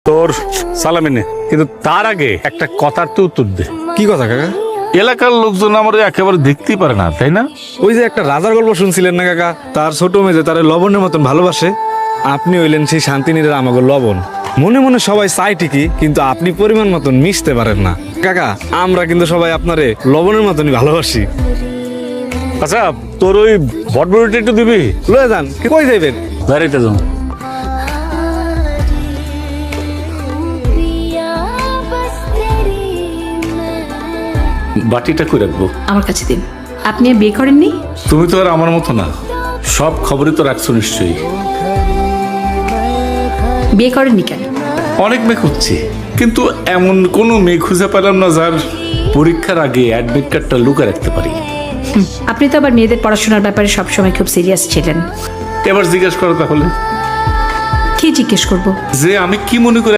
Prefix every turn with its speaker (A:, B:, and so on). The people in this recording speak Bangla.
A: তোর সালামি নে, কিন্তু তার আগে একটা কথার তো উত্তর দে।
B: কি কথা কাকা?
A: এলাকার লোকজন আমার একেবারে দেখতেই পারে না, তাই না?
B: ওই যে একটা রাজার গল্প শুনছিলেন না কাকা, তার ছোট মেয়ে তারে লবণের মতন ভালোবাসে। আপনি হইলেন সেই শান্তিনীরের আমাকে লবণ। মনে মনে সবাই চাই ঠিকই, কিন্তু আপনি পরিমাণ মতন মিশতে পারেন না কাকা। আমরা কিন্তু সবাই আপনারে লবণের মতনই ভালোবাসি।
A: আচ্ছা, তোর ওই বটবড়িটা একটু দিবি?
B: লয়ে যান, কই যাইবেন?
A: গাড়িতে যাও। বাটিটা কই রাখবো?
C: আমার কাছে দিন। আপনি আর বিয়ে করেননি?
A: তুমি তো আর আমার মতো না, সব খবরই তো রাখছো নিশ্চয়ই।
C: বিয়ে করেননি কেন?
A: অনেক মেয়ে খুঁজছি, কিন্তু এমন কোনো মেয়ে খুঁজে পেলাম না যার পরীক্ষার আগে অ্যাডমিট কার্ডটা লুকে রাখতে পারি।
C: আপনি তো আবার মেয়েদের পড়াশোনার ব্যাপারে সবসময় খুব সিরিয়াস ছিলেন।
A: এবার জিজ্ঞেস করো তাহলে,
C: কি জিজ্ঞেস করবো?
A: যে আমি কি মনে করি